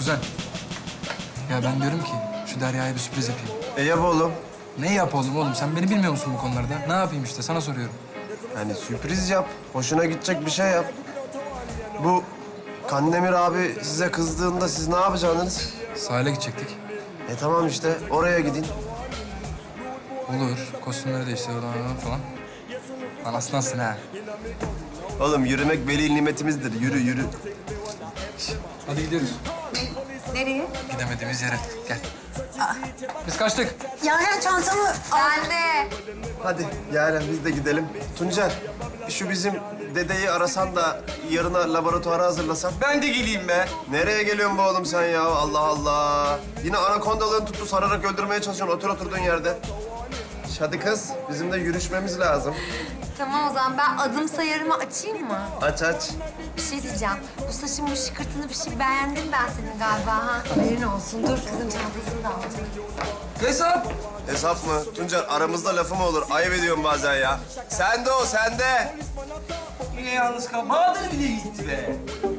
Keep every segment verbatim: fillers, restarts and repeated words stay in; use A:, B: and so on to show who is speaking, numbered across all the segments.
A: Kuzen. Ya ben diyorum ki şu Derya'ya bir sürpriz yapayım.
B: E yap oğlum.
A: Ne yap oğlum oğlum? Sen beni bilmiyor musun bu konularda? Ne yapayım işte sana soruyorum.
B: Hani sürpriz yap. Hoşuna gidecek bir şey yap. Bu Kandemir abi size kızdığında siz ne yapacaksınız?
A: Sahile gidecektik.
B: E tamam işte oraya gidin.
A: Olur. Kostümleri değiştir oradan falan. Lan aslansın ha.
B: Oğlum yürümek veli nimetimizdir. Yürü yürü.
A: Hadi gidiyoruz.
C: Nereye?
A: Gidemediğimiz yere. Gel. Biz kaçtık.
C: Yaren çantamı... Ben de.
B: Hadi Yaren biz de gidelim. Tuncer şu bizim dedeyi arasan da yarına laboratuvara hazırlasan.
D: Ben de geleyim be.
B: Nereye geliyorsun bu oğlum sen ya? Allah Allah. Yine anakondalığını tuttu sararak öldürmeye çalışıyorsun otur oturduğun yerde. Hadi kız bizim de yürüşmemiz lazım.
C: Tamam o zaman ben adım sayarımı açayım mı?
B: Aç aç.
C: Bir şey diyeceğim. Bu saçın bu şıkırtını bir şey beğendim ben senin galiba ha. Haberin olsun. Dur kızın çantasını da alacağım.
A: Hesap.
B: Hesap mı? Tuncer aramızda lafı mı olur? Ayıp ediyorum bazen ya. Sende o sende.
D: Yine yalnız kal. Bahadır bile gitti be.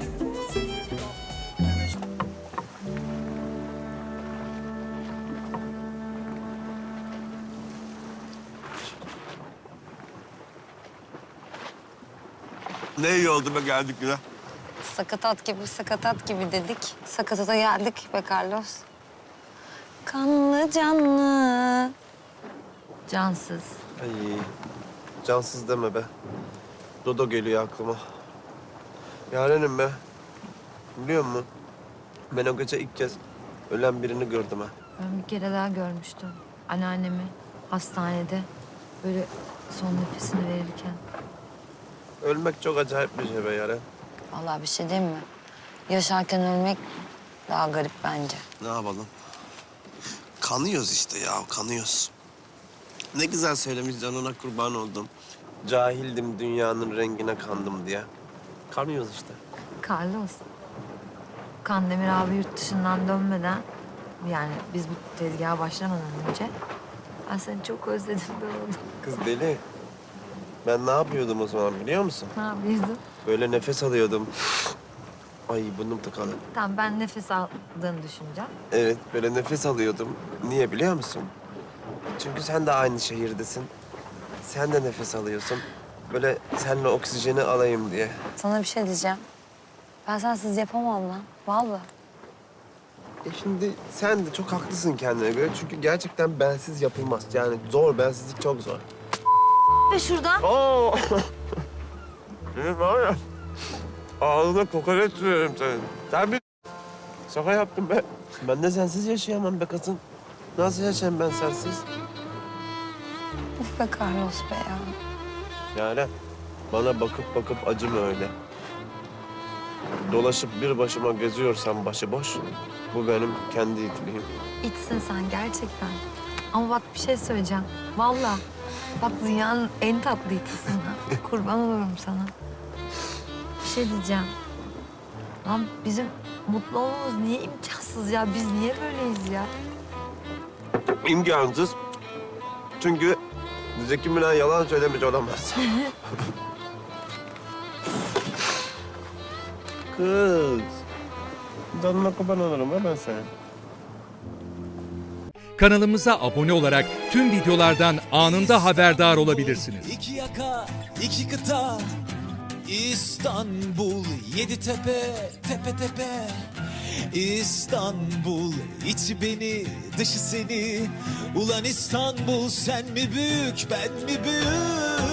B: Ne iyi oldu be geldik yine.
E: Sakatat gibi, sakatat gibi dedik. Sakatata geldik be Carlos. Kanlı canlı. Cansız.
B: Ay cansız deme be. Dodo geliyor aklıma. Yarenim be. Biliyor musun? Ben o gece ilk kez ölen birini gördüm ha.
E: Ben bir kere daha görmüştüm. Anneannemi hastanede böyle son nefesini verirken.
B: Ölmek çok acayip bir şey be Yaren.
E: Vallahi bir şey diyeyim mi? Yaşarken ölmek daha garip bence.
B: Ne yapalım? Kanıyoruz işte ya, kanıyoruz. Ne güzel söylemiş canına kurban oldum. Cahildim dünyanın rengine kandım diye. Kanıyoruz işte.
E: Carlos, Kandemir abi yurt dışından dönmeden, yani biz bu tezgaha başlamadan önce ben seni çok özledim be oğlum.
B: Kız deli. Ben ne yapıyordum o zaman biliyor musun?
E: Ne yapıyorsun?
B: Böyle nefes alıyordum. Ay burnum tıkalı.
E: Tamam, ben nefes aldığını düşüneceğim.
B: Evet, böyle nefes alıyordum. Niye biliyor musun? Çünkü sen de aynı şehirdesin. Sen de nefes alıyorsun. Böyle seninle oksijeni alayım diye.
E: Sana bir şey diyeceğim. Ben sensiz yapamam lan. Vallahi.
B: E şimdi sen de çok haklısın kendine göre. Çünkü gerçekten bensiz yapılmaz. Yani zor, bensizlik çok zor.
E: Ve şuradan.
B: Oo! Senin var ya, ağzına kokoreç sürüyorum senin. Sen bir şaka yaptın be. Ben de sensiz yaşayamam be kızım. Nasıl yaşayayım ben sensiz?
E: Uf be Carlos be ya.
B: Yani bana bakıp bakıp acıma öyle. Dolaşıp bir başıma geziyorsam başıboş, bu benim kendi itliğim.
E: İçsin sen gerçekten. Ama bak bir şey söyleyeceğim. Vallahi. Bak dünyanın en tatlı itisin ha. Kurban olurum sana. Bir şey diyeceğim. Lan bizim mutlu olmamız niye imkansız ya? Biz niye böyleyiz ya?
B: İmkansız. Çünkü Zeki Müren yalan söylemiş olamaz. Kız. Canına kurban olurum ha ben senin.
F: Kanalımıza abone olarak tüm videolardan anında haberdar olabilirsiniz.
G: İki yaka, iki kıta, İstanbul, yedi tepe, tepe tepe. İstanbul, içi beni, dışı seni. Ulan İstanbul, sen mi büyük, ben mi büyük?